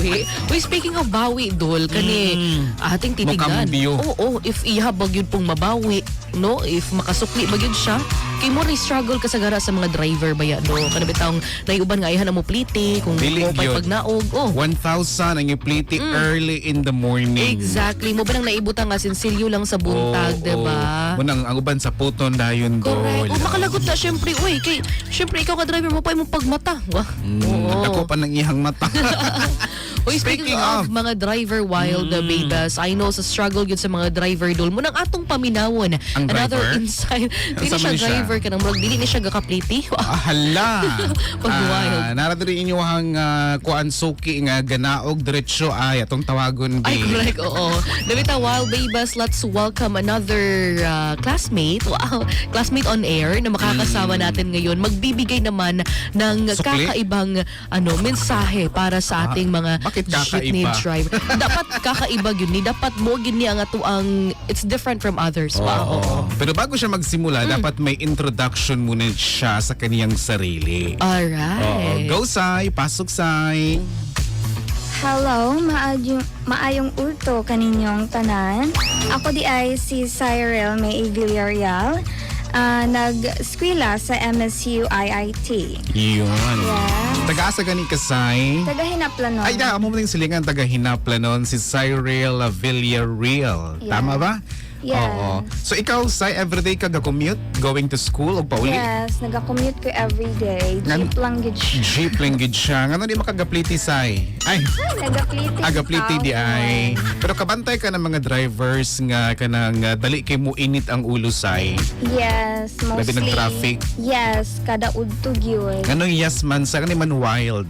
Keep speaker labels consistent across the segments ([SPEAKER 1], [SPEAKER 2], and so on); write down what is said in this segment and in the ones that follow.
[SPEAKER 1] bawi. Uy, speaking of bawi, Dol, kani ating titignan.
[SPEAKER 2] Makambyo.
[SPEAKER 1] Oo, if ihabag yun pong mabawi, no? If makasukli ba yun siya, kay mo rin struggle kasagara sa mga driver ba yan, no? Kanabitang naiuban nga ayahan na mo pliti, kung
[SPEAKER 2] Dili
[SPEAKER 1] mo pa'y
[SPEAKER 2] yun.
[SPEAKER 1] pagnaog. Oh.
[SPEAKER 2] 1,000 ang ipliti early in the morning.
[SPEAKER 1] Exactly. Mo ba nang naibutang nga sinsilyo lang sa buntag, diba?
[SPEAKER 2] Munang ang uban sa puton dayon do.
[SPEAKER 1] Correct. O makalagot na syempre, uy, kay syempre ikaw ka driver mo pa imong pagmata.
[SPEAKER 2] Ako pa ng ihang mata.
[SPEAKER 1] Uy, speaking of mga driver wild babes, I know sa struggle yun sa mga driver dul mo nang atong paminawon.
[SPEAKER 2] Ang
[SPEAKER 1] Another
[SPEAKER 2] driver?
[SPEAKER 1] insight. Dili
[SPEAKER 2] Asa
[SPEAKER 1] siya
[SPEAKER 2] man siya?
[SPEAKER 1] driver ka nang dili ni siya gakapliti.
[SPEAKER 2] Hala.
[SPEAKER 1] Pag wild.
[SPEAKER 2] Naradiri inyong kuan suki nga ganaog diretso ay atong tawagon
[SPEAKER 1] Ay,
[SPEAKER 2] di.
[SPEAKER 1] correct, oo. Dabita, wild babes, let's welcome another classmate. Wow, classmate on air na makakasama natin ngayon. Magbibigay naman ng
[SPEAKER 2] Sukli?
[SPEAKER 1] kakaibang mensahe para sa ating mga
[SPEAKER 2] bakit
[SPEAKER 1] jeepney
[SPEAKER 2] kakaiba?
[SPEAKER 1] driver. Dapat kakaiba yun ni. Dapat mo yun ni ang atuang it's different from others. Wow.
[SPEAKER 2] Pero bago siya magsimula, dapat may introduction muna siya sa kaniyang sarili.
[SPEAKER 1] Alright.
[SPEAKER 2] Go, Sai. Pasok, Sai.
[SPEAKER 3] Hello, maayong ulto kaninyong tanan. Ako di ay si Cyril May Villarreal, nag-eskwela sa MSU IIT.
[SPEAKER 2] Yun.
[SPEAKER 3] Yes.
[SPEAKER 2] Taga-asa gani ka, Sai?
[SPEAKER 3] Taga-Hinaplanon.
[SPEAKER 2] Ay, amo mo yung silingan taga-Hinapla si Cyril Villarreal.
[SPEAKER 3] Yeah.
[SPEAKER 2] Tama ba?
[SPEAKER 3] Yes.
[SPEAKER 2] Oo. So ikaw, Sai, everyday ka ga-commute? Going to school o pauli?
[SPEAKER 3] Yes, nag-commute ko everyday. Jeep lang gid siya.
[SPEAKER 2] Jeep lang gid siya. Ngano di makagapliti, Sai? Ay,
[SPEAKER 3] Nagapliti.
[SPEAKER 2] agapliti di ay. Pero kabantay ka ng mga drivers nga kanang dali kay mo init ang ulo, Sai.
[SPEAKER 3] Yes,
[SPEAKER 2] Labi
[SPEAKER 3] mostly.
[SPEAKER 2] ng traffic.
[SPEAKER 3] Yes, kada udtog yun.
[SPEAKER 2] Ano yes man sa kani man wild.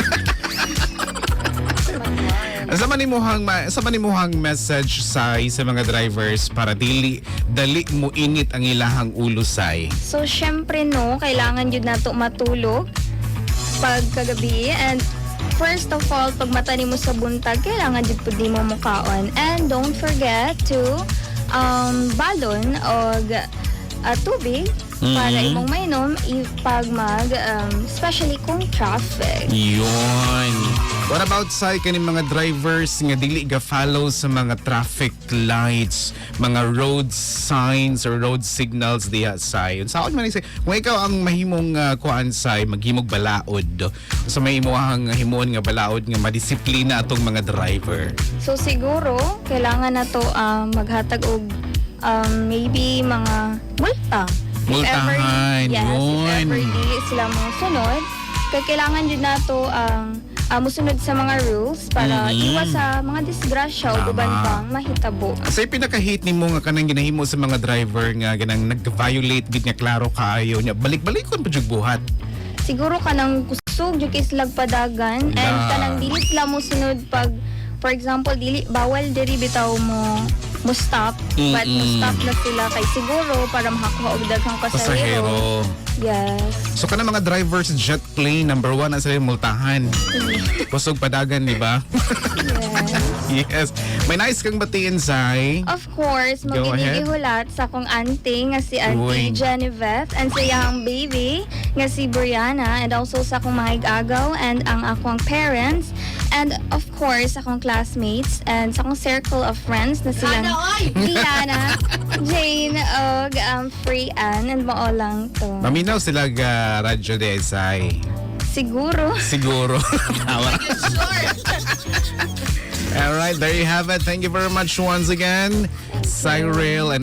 [SPEAKER 2] Sa manimuhang message, Sai, sa mga drivers para dali mo init ang ilahang ulo, Sai.
[SPEAKER 3] So, syempre no, kailangan yun nato matulog pag kagabi. And first of all, pag mata mo sa buntag, kailangan yun po di mo mukaon. And don't forget to balon o tubig para imong mainom pag especially kung traffic.
[SPEAKER 2] Yun. What about, Sai, kaning mga drivers nga dili ga-follow sa mga traffic lights, mga road signs or road signals diha, Sai? Saan man isay, kung ikaw ang mahimong kuan, Sai, maghimog balaod. So may imuhang himon nga balaod nga madisiplina atong mga driver.
[SPEAKER 3] So siguro, kailangan na to maghatag og maybe mga multa.
[SPEAKER 2] Multahan,
[SPEAKER 3] Yes,
[SPEAKER 2] yun.
[SPEAKER 3] if ever di sila mo sunod, kailangan yun na to musunod sa mga rules para iwas sa mga disgrasya o
[SPEAKER 2] Tama.
[SPEAKER 3] uban pang mahitabo.
[SPEAKER 2] Sa pinaka-hate nimo nga kanang ginahimo sa mga driver nga ganang nag-violate gid nga klaro kaayo nya balik-balikon pa jud buhat.
[SPEAKER 3] Siguro kanang kusog jud islag padagan and kanang dili sila mo sunod pag for example dili bawal diri bitaw mo stop but mo stop na sila kay siguro para makakuha og daghang pasahero. Yes.
[SPEAKER 2] So kana mga drivers jet plane number 1 ang sila multahan. Kusog padagan, di ba? Yes. May nice kang batiin, Sai.
[SPEAKER 3] Of course,
[SPEAKER 2] Go ahead.
[SPEAKER 3] maginigihulat sa akong auntie nga si
[SPEAKER 2] Uy.
[SPEAKER 3] Auntie Genevieve and sa iyang baby nga si Brianna and also sa akong mga igagaw and ang akong parents and of course akong classmates and sa akong circle of friends na silang Diana, Jane, og Freyan and mao lang to.
[SPEAKER 2] Maminaw sila ga radyo de, Sai.
[SPEAKER 3] Siguro.
[SPEAKER 2] Siguro. Tawa. Alright, there you have it. Thank you very much once again, Cyril and